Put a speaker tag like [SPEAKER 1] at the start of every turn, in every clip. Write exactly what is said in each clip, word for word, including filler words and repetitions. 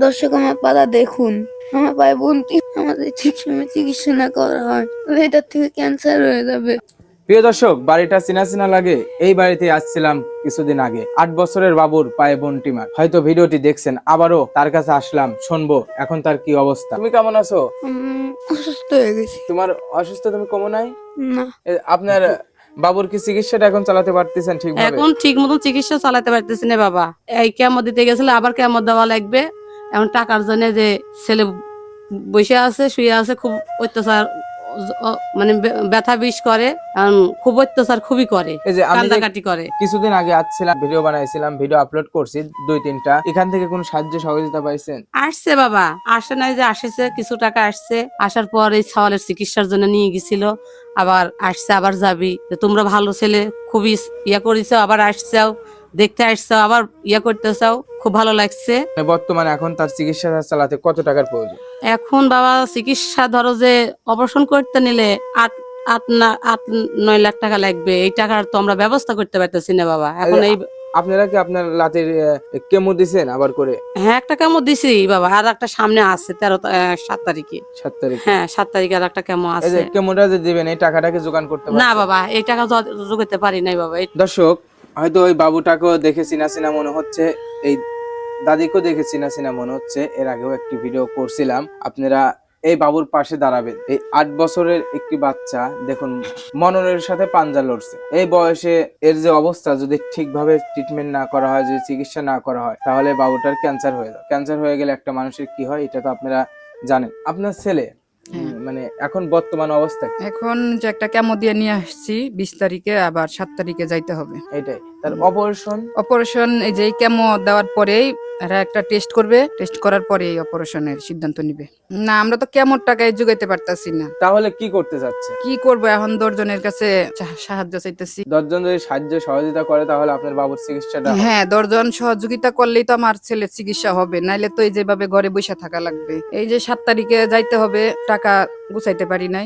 [SPEAKER 1] দর্শক আমার পাতা দেখুন, আমার পায়ে বন্তি, আমাদের ঠিক সময় চিকিৎসা না করা হয় তাহলে এটার থেকে ক্যান্সার হয়ে যাবে।
[SPEAKER 2] প্রিয় দর্শক, বাড়িটা চিনা চিনা লাগে। এই বাড়িতে আসছিলাম কিছুদিন আগে। আট বছরের বাবুর পায়ে বন্টিমার, হয়তো ভিডিওটি দেখছেন। আবারও তার কাছে আসলাম, শুনবো এখন তার কি অবস্থা। তুমি কেমন আছো?
[SPEAKER 1] উম, অসুস্থ হয়ে গেছি।
[SPEAKER 2] তোমার অসুস্থ, তুমি কমো নাই?
[SPEAKER 1] না,
[SPEAKER 2] এ, আপনার বাবুর কি চিকিৎসাটা এখন চালাতে পারতেছেন ঠিকভাবে?
[SPEAKER 3] এখন ঠিক মতো চিকিৎসা চালাতে পারতেছি না বাবা। এই কেমো দিতে গেছিল, আবার কেমো দেওয়া লাগবে। এখন টাকার জন্য যে ছেলে বসে আছে, শুয়ে আছে, খুব অত্যাচার, ও- মানে বে- ব্যথা বিষ করে, এখন খুব অত্যাচার খুবই করে,
[SPEAKER 2] এই যে আমি যে
[SPEAKER 3] কান্দাকাটি করে।
[SPEAKER 2] কিছুদিন আগে আসছিলাম, ভিডিও বানাইছিলাম, ভিডিও আপলোড করছি দুই তিনটা। এখান থেকে কোন সাহায্য সহযোগিতা পাইছেন?
[SPEAKER 3] আসছে বাবা, আসে নাই যে আসেছে, কিছু টাকা আসছে। আসার পর এই ছাওয়ালের চিকিৎসার জন্য নিয়ে গেছিল, আবার আসছে, আবার যাবি, যে তোমরা ভালো ছেলে, খুবই ইয়া করেছো, আবার আসছাও, দেখতে আসছাও, আবার ইয়া করতে চাও, খুব ভালো লাগছে।
[SPEAKER 2] বর্তমানে এখন তার চিকিৎসা চালাতে কত টাকার প্রয়োজন?
[SPEAKER 3] এখন বাবা চিকিৎসা ধরো যে অপারেশন করতে নিলে আট আট না আট নয় লাখ টাকা লাগবে। এই টাকার তো আমরা ব্যবস্থা করতে পারতেছি না বাবা। এখন এই
[SPEAKER 2] আপনারা কি আপনার লাতের কেমো দিছেন আবার করে?
[SPEAKER 3] হ্যাঁ, একটা কেমো দিছি বাবা, আর একটা সামনে আছে তেরো তা- আহ, সাত তারিখে।
[SPEAKER 2] সাত তারিখ?
[SPEAKER 3] হ্যাঁ, সাত তারিখে আর একটা কেমো
[SPEAKER 2] এই যে
[SPEAKER 3] আছে।
[SPEAKER 2] কেমোটা যে দিবেন, এই টাকাটাকে জোগান করতে
[SPEAKER 3] না
[SPEAKER 2] পারছেন?
[SPEAKER 3] বাবা, এই টাকা তো জোগাতে পারি নাই বাবা। এই-
[SPEAKER 2] দর্শক, হয়তো ওই বাবুটাকেও দেখে চিনা চিনা মনে হচ্ছে, এই দাদিকেও দেখে চিনা চিনা মনে হচ্ছে। এর আগেও একটি ভিডিও করছিলাম। আপনারা এই বাবুর পাশে দাঁড়াবেন। এই আট বছরের একটি বাচ্চা দেখুন, মননের সাথে পাঞ্জা লড়ছে। এই বয়সে এর যে অবস্থা, যদি ঠিকভাবে ট্রিটমেন্ট না করা হয়, যদি চিকিৎসা না করা হয়, তাহলে বাবুটার ক্যান্সার হয়ে যাবে। ক্যান্সার হয়ে গেলে একটা মানুষের কি হয়, এটা তো আপনারা জানেন। আপনার ছেলে উম, মানে এখন বর্তমান অবস্থা কি?
[SPEAKER 4] এখন যে একটা কেমো দিয়ে নিয়ে আসছি, বিশ তারিখে আবার সাত তারিখে যাইতে হবে।
[SPEAKER 2] এটাই তার অপারেশন।
[SPEAKER 4] অপারেশন এই যে কেমো দেওয়ার পরেই এরা একটা টেস্ট করবে, টেস্ট করার পরে এই অপারেশনের সিদ্ধান্ত নিবে। না, আমরা তো কেমোর টাকায় জোগাইতে পারতাছি না।
[SPEAKER 2] তাহলে কি করতে চাচ্ছে?
[SPEAKER 4] কি করবো এখন, দশজনের কাছে সা- সাহায্য চাইতেছি।
[SPEAKER 2] দশজন যদি সাহায্য সহযোগিতা করে, তাহলে আপনার বাবুর চিকিৎসাটা হবে।
[SPEAKER 4] হ্যাঁ, দশজন সহযোগিতা করলেই তো আমার ছেলের চিকিৎসা হবে, নাইলে তো এই যেভাবে ঘরে বসে থাকা লাগবে। এই যে সাত তারিখে যাইতে হবে, টাকা গুছাইতে পারি নাই,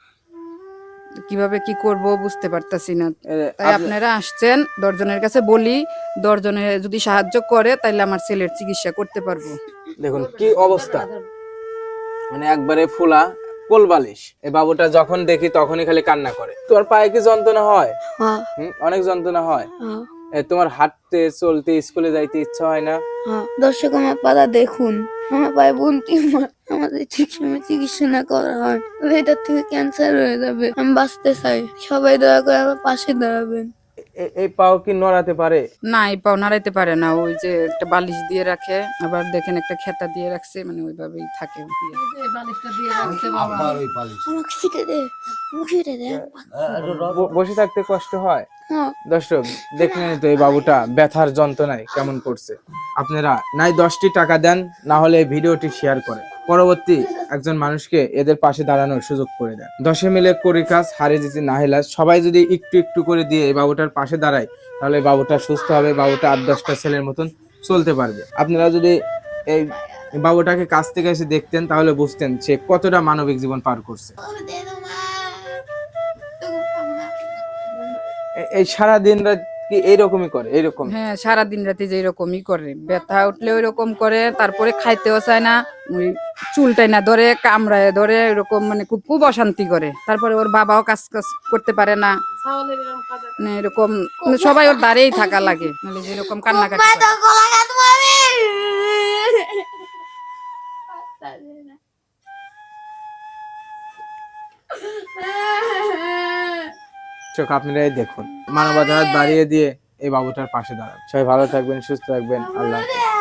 [SPEAKER 4] কিভাবে কি করব বুঝতে পারতাছি না।
[SPEAKER 2] এ,
[SPEAKER 4] তাই
[SPEAKER 2] আপনি-
[SPEAKER 4] আপনারা আসছেন, দশজনের কাছে বলি, দশজনে যদি সাহায্য করে তাহলে আমার ছেলের চিকিৎসা করতে পারবো।
[SPEAKER 2] দেখুন কি অবস্থা, মানে একবারে ফুলা কোলবালিশ। এই বাবুটা যখন দেখি তখনই খালি কান্না করে। তোমার পায়ে কি যন্ত্রণা হয়?
[SPEAKER 1] হ্যাঁ,
[SPEAKER 2] হুম, অনেক যন্ত্রণা হয়।
[SPEAKER 1] হ্যাঁ,
[SPEAKER 2] এ, তোমার হাঁটতে চলতে স্কুলে যাইতে ইচ্ছা হয় না?
[SPEAKER 1] হ্যাঁ। দর্শক আমার পাতা দেখুন, আমার পায়ে বন্তি, আমাদের ঠিক সময় চিকিৎসা না করা হয় তাহলে এটার থেকে ক্যান্সার হয়ে যাবে। আমি বাঁচতে চাই, সবাই দয়া করে আমার পাশে দাঁড়াবেন।
[SPEAKER 2] এ- এই পাও কি নড়াতে পারে?
[SPEAKER 4] না, এই পাও নাড়াইতে পারে না, ওই যে একটা বালিশ দিয়ে রাখে, আবার দেখেন একটা খেতা দিয়ে রাখছে, মানে ওইভাবেই থাকে।
[SPEAKER 1] আমাকে ছিটে দে, আমাকে ছিটে দে।
[SPEAKER 2] ব- বসে থাকতে কষ্ট হয়।
[SPEAKER 1] হ্যাঁ,
[SPEAKER 2] দর্শক দেখলেন তো এই বাবুটা ব্যথার যন্ত্রণায় কেমন করছে। আপনারা নাই দশটি টাকা দেন, না হলে এই ভিডিওটি শেয়ার করেন, পরবর্তী একজন মানুষকে এদের পাশে দাঁড়ানোর সুযোগ করে দেন। দশে মিলে করি কাজ, হারে যেতে নাহিলাজ। সবাই যদি একটু একটু করে দিয়ে এই বাবুটার পাশে দাঁড়ায়, তাহলে এই বাবুটা সুস্থ হবে, বাবুটা আট দশটা ছেলের মতন চলতে পারবে। আপনারা যদি এই বাবুটাকে কাছ থেকে এসে দেখতেন, তাহলে বুঝতেন সে কতটা মানবিক জীবন পার করছে। এ- এই সারা দিন রাত কি এইরকমই করে? এইরকম?
[SPEAKER 4] হ্যাঁ, সারা দিন রাতে যে এরকমই করে, ব্যথা উঠলে ওইরকম করে, তারপরে খাইতেও চায় না, ওই চুলটাই না ধরে, কামড়ায় ধরে, এরকম মানে খুব খুব অশান্তি করে। তারপরে ওর বাবাও কাজ কাজ করতে পারে না, মানে এরকম মানে সবাই ওর দাঁড়িয়েই থাকা লাগে, মানে যেরকম কান্নাকাটি করে।
[SPEAKER 2] চোখ আপনারাই দেখুন, মানবতার হাত বাড়িয়ে দিয়ে এই বাবুটার পাশে দাঁড়ান। সবাই ভালো থাকবেন, সুস্থ থাকবেন। আল্লাহ হাফেজ।